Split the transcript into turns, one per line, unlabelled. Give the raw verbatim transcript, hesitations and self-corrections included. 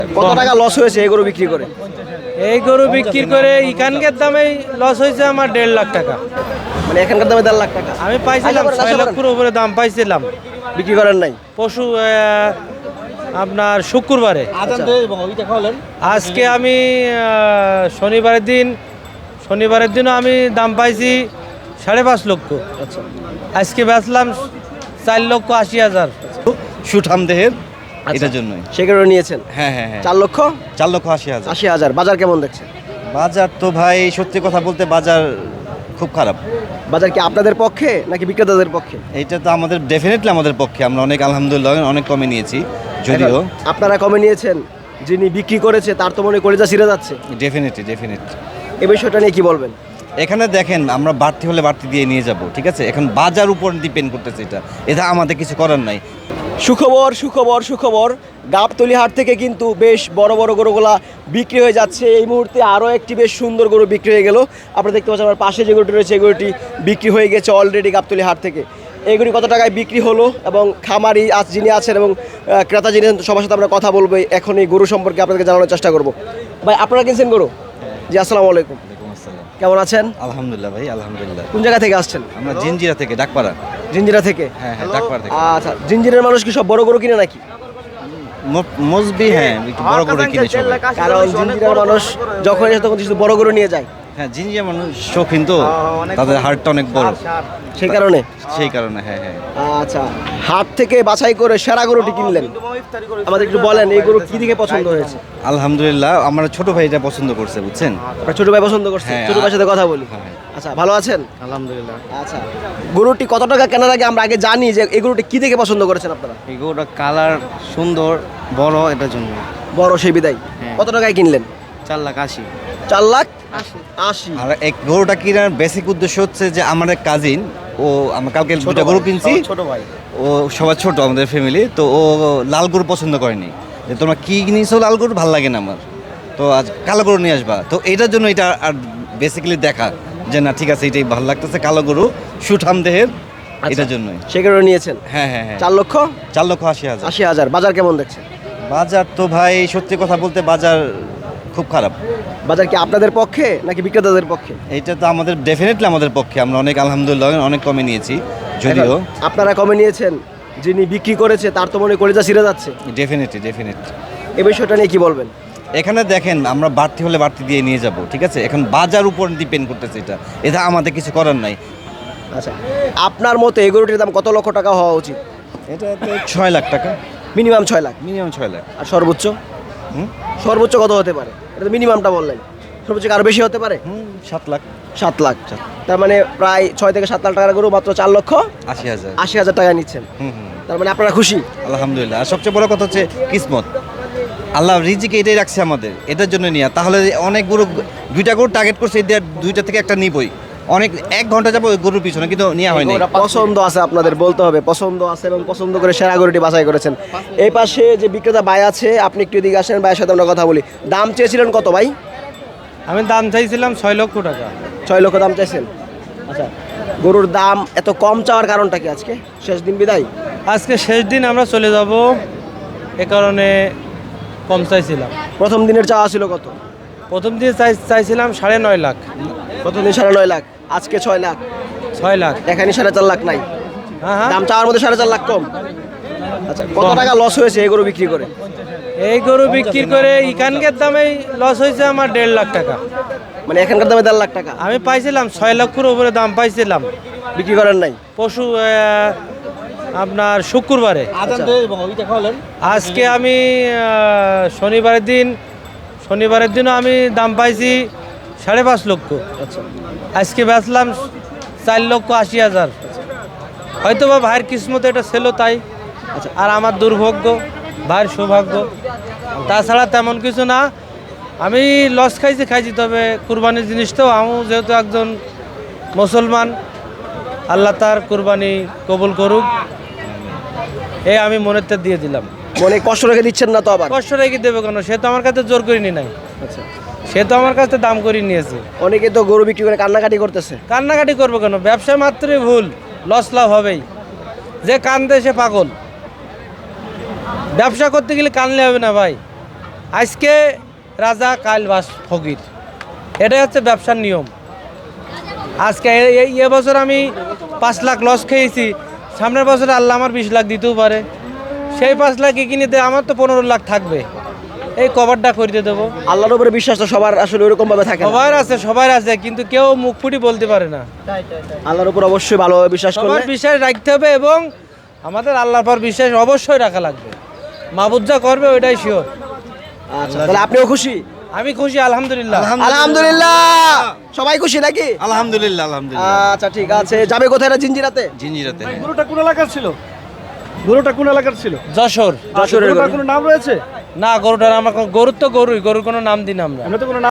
কত টাকা লস হয়েছে এই গরু বিক্রি করে?
এই গরু বিক্রি করে এখানকার দামে লস হয়েছে আমার দেড় লাখ টাকা।
মানে এখানকার দামে দেড় লাখ টাকা
আমি পাইছিলাম ছয় লক্ষের উপরে দাম পাইছিলাম,
বিক্রি করেন নাই?
পশু আহ, আপনার শুক্রবারে। আজকে আমি আহ, শনিবারের দিন শনিবারের দিনও আমি দাম পাইছি সাড়ে পাঁচ লক্ষ। আজকে বেচলাম চার লক্ষ আশি হাজার।
সুঠাম দেহের, এটার জন্যই
সেগুলো নিয়েছেন?
হ্যাঁ হ্যাঁ হ্যাঁ
চার লক্ষ
চার লক্ষ আশি হাজার।
আশি হাজার বাজার কেমন দেখছেন?
বাজার তো ভাই সত্যি কথা বলতে বাজার খুব খারাপ।
বাজার কি আপনাদের পক্ষে নাকি বিক্রেতাদের পক্ষে?
এইটা তো আমাদের ডেফিনেটলি আমাদের পক্ষে, আমরা অনেক আলহামদুলিল্লাহ অনেক কমে নিয়েছি যদিও।
আপনারা কমে নিয়েছেন, যিনি বিক্রি করেছে তার তো মনে কলিজা ছিঁড়ে যাচ্ছে।
ডেফিনেটলি ডেফিনেটলি
এই বিষয়টা নিয়ে কি বলবেন?
এখানে দেখেন আমরা বাড়তি হলে বাড়তি দিয়ে নিয়ে যাব, ঠিক আছে? এখন বাজার উপর ডিপেন্ড করতেছে, এটা এটা আমাদের কিছু করার নাই।
সুখবর সুখবর সুখবর গাবতলী হাট থেকে কিন্তু বেশ বড় বড় গরুগুলা বিক্রি হয়ে যাচ্ছে। এই মুহূর্তে আরও একটি বেশ সুন্দর গরু বিক্রি হয়ে গেল। আপনারা দেখতে পাচ্ছেন আমার পাশে যে গরুটি রয়েছে এই গরুটি বিক্রি হয়ে গেছে অলরেডি গাবতলী হাট থেকে। এই গরু কত টাকায় বিক্রি হলো এবং খামারি আজ যিনি আছেন এবং আহ, ক্রেতা যিনি আছেন সবার সাথে আমরা কথা বলবো এখন এই গরু সম্পর্কে আপনাদেরকে জানানোর চেষ্টা করব। ভাই আপনারা কিনছেন গরু? জি আসসালামু আলাইকুম, কেমন আছেন?
আলহামদুলিল্লাহ ভাই আলহামদুলিল্লাহ।
কোন জায়গা থেকে আসছেন?
আমরা জিঞ্জিরা থেকে, ডাকপাড়া।
জিঞ্জিরা থেকে?
হ্যাঁ হ্যাঁ ডাকপাড়া থেকে।
আচ্ছা, জিঞ্জিরের মানুষ কি সব বড় গরু কিনে নাকি?
ম- মসবি হ্যাঁ একটু বড় করে কিনে সবাই।
কারণ জিঞ্জিরার মানুষ যখন এসে তখন কিছু বড় গরু নিয়ে যায়,
হ্যাঁ জিঞ্জিরা মানুষ শৌখিন তো, তাদের হাড়টা অনেক বড়,
সেই কারণে।
সেই কারণে হ্যাঁ হ্যাঁ।
আচ্ছা, হাট থেকে বাছাই করে সেরা গরুটি কিনলেন, আমাদের একটু বলেন এই গরু কি দিকে পছন্দ হয়েছে?
আলহামদুলিল্লাহ আমার ছোট ভাই এটা পছন্দ করছে, বুঝছেন?
আপনার ছোট ভাই পছন্দ করছে?
হ্যাঁ,
ছোট ভাইয়ের সাথে কথা বলি।
হ্যাঁ।
আচ্ছা, ভালো আছেন?
আলহামদুলিল্লাহ।
আচ্ছা, গরুটি কত টাকা কেনার আগে আমরা আগে জানি যে এই গরুটি কি দেখে পছন্দ করেছেন আপনারা?
এই গরুটা কালার সুন্দর, বড়, এটার জন্য।
বড় সেই বিদায়।
হ্যাঁ।
কত টাকায় কিনলেন?
চার লাখ আশি।
চার লাখ আশি।
আর এক গরুটা কেনার বেসিক উদ্দেশ্য হচ্ছে যে আমার এক কাজিন, ও আমরা কালকে দুটা গরু কিনছি,
ছোট ভাই।
ও সবার ছোট আমাদের ফ্যামিলি, তো ও লাল গরু পছন্দ করেনি, যে তোমরা কি কিনেছো লাল গরু ভালো লাগে না আমার, তো আজ কালো গরু নিয়ে আসবা। তো এটার জন্য এটা আর বেসিক্যালি দেখা যে না ঠিক আছে এটাই ভালো লাগতেছে, কালো গরু সুঠাম দেহের, এটার জন্যই।
সেগুলো নিয়েছেন?
হ্যাঁ হ্যাঁ হ্যাঁ
চার লক্ষ
চার লক্ষ আশি হাজার।
আশি হাজার বাজার কেমন দেখছেন?
বাজার তো ভাই সত্যি কথা বলতে বাজার খুব খারাপ।
বাজার কি আপনাদের পক্ষে নাকি বিক্রেতাদের পক্ষে?
এইটা তো আমাদের ডেফিনেটলি আমাদের পক্ষে, আমরা অনেক আলহামদুলিল্লাহ অনেক কমে নিয়েছি যদিও।
আপনারা কমে নিয়েছেন, যিনি বিক্রি করেছে তার তো মনে কলিজা ছিঁড়ে যাচ্ছে।
ডেফিনেটলি ডেফিনেটলি
এই বিষয়টা নিয়ে কি বলবেন?
এখানে দেখেন আমরা বাড়তি হলে বাড়তি দিয়ে নিয়ে যাব, ঠিক আছে? এখন বাজার উপর ডিপেন্ড করতেছে, এটা এটা আমাদের কিছু করার নাই।
আচ্ছা, আপনার মতে এই গরুটির দাম কত লক্ষ টাকা হওয়া উচিত?
এটা তো ছয় লাখ টাকা,
মিনিমাম ছয় লাখ।
মিনিমাম ছয় লাখ।
আর সর্বোচ্চ?
হুম
সর্বোচ্চ কত হতে পারে? এটা তো মিনিমামটা বললেন, সর্বোচ্চ কি আরো বেশি হতে পারে?
হুম সাত লাখ
সাত লাখ। তার মানে প্রায় ছয় থেকে সাত লাখ টাকার গরু মাত্র চার লক্ষ
আশি হাজার।
আশি হাজার টাকা নিচ্ছেন।
হুম হুম
তার মানে আপনারা খুশি?
আলহামদুলিল্লাহ। আর সবচেয়ে বড় কথা হচ্ছে কিসমত, আল্লাহ রিজিকে এটাই রাখছে আমাদের, এটার জন্য নিয়ে। তাহলে অনেক গরু, দুইটা গরু টার্গেট করছে, এদের দুইটা থেকে একটা নিবই, অনেক এক ঘন্টা যাবো ওই গরুর পিছনে, কিন্তু নেওয়া হয়নি।
পছন্দ আছে আপনাদের, বলতে হবে পছন্দ আছে এবং পছন্দ করে সেরা গরুটি বাছাই করেছেন। এই পাশে যে বিক্রেতা ভাই আছে, আপনি একটু এদিকে আসেন, ভাইয়ের সাথে আমরা কথা বলি। দাম চেয়েছিলেন কত ভাই?
আমি দাম চাইছিলাম ছয় লক্ষ টাকা।
ছয় লক্ষ দাম চাইছেন? আচ্ছা, গরুর দাম এত কম চাওয়ার কারণটা কি? আজকে শেষ দিন বিদায়?
আজকে শেষ দিন, আমরা চলে যাব, এ কারণে কম চাইছিলাম।
প্রথম দিনের চাওয়া ছিল কত?
প্রথম দিন চাই চাইছিলাম সাড়ে নয় লাখ।
প্রথম দিন সাড়ে নয় লাখ, আজকে ছয় লাখ।
ছয় লাখ
এখানে সাড়ে চার লাখ নাই,
হ্যাঁ হ্যাঁ।
দাম চাওয়ার মধ্যে সাড়ে চার লাখ কম। আচ্ছা, কত টাকা লস হয়েছে এই গরু বিক্রি করে?
এই গরু বিক্রি করে এখানকার দামে লস হয়েছে আমার দেড় লাখ টাকা।
মানে এখানকার দামে দেড় লাখ টাকা
আমি পাইছিলাম ছয় লক্ষের উপরে দাম পাইছিলাম,
বিক্রি করেন নাই?
পশু আহ, আপনার শুক্রবারে। আজকে আমি আহ, শনিবারের দিন শনিবারের দিনও আমি দাম পাইছি সাড়ে পাঁচ লক্ষ। আজকে বেচলাম চার লক্ষ আশি হাজার। হয়তো বা ভাইয়ের কিসমতে এটা ছিল তাই, আর আমার দুর্ভাগ্য, ভাইয়ের সৌভাগ্য, তাছাড়া তেমন কিছু না। আমি লস খাইছি খাইছি তবে কুরবানির জিনিস তো, আমি যেহেতু একজন মুসলমান, আল্লাহ তার কুরবানি কবুল করুক, এই আমি মনেতে দিয়ে দিলাম।
মনে কষ্ট রেখে দিচ্ছেন না তো? আবার
কষ্ট রেখে দেবে কেন? সে তো আমার কাছে জোর করিনি নাই।
আচ্ছা,
সে তো আমার কাছে দাম করে নিয়েছে।
অনেকে তো গরু বিক্রি করে কান্নাকাটি করতেছে।
কান্নাকাটি করবো কেন? ব্যবসা মাত্রই ভুল, লস লাভ হবেই। যে কান্দে সে পাগল। ব্যবসা করতে গেলে কানলে হবে না ভাই, আজকে রাজা কাল বাস ফকির, এটাই হচ্ছে ব্যবসার নিয়ম। আজকে এ- এই এবছর আমি পাঁচ লাখ লস খেয়েছি, সামনের বছর আল্লাহ আমার বিশ লাখ দিতেও পারে, সেই পাঁচ লাখ কিনে দিয়ে আমার তো পনেরো লাখ থাকবে, এই কভারটা করে দেবো।
আল্লাহর উপরে বিশ্বাস তো সবার আসলে ওইরকম ভাবে থাকে না।
সবার আছে, সবার আছে, কিন্তু কেউ মুখ ফুটি বলতে পারে না।
আল্লাহর উপর অবশ্যই ভালোভাবে বিশ্বাস করলে
সবার বিশ্বাস রাখতে হবে এবং আমাদের আল্লাহর পর বিশ্বাস অবশ্যই রাখা লাগবে। মাহবুব যা করবে ওইটাই শিওর।
আচ্ছা, তাহলে আপনিও খুশি?
আমি খুশি, আলহামদুলিল্লাহ।
আলহামদুলিল্লাহ, সবাই খুশি নাকি?
আলহামদুলিল্লাহ আলহামদুলিল্লাহ।
আচ্ছা ঠিক আছে, যাবে কোথায় এটা? জিঞ্জিরাতে?
জিঞ্জিরাতে।
গরুটা কোন এলাকার ছিল? গরুটা কোন এলাকার ছিল?
যশোর।
যশোরের
গরুটার
গরু।
কোনো নাম রয়েছে?
না, গরুটার আমার কোনো- গরুর তো গরুই, গরুর কোনো নাম দিন আমরা।
আমরা তো কোনো নাম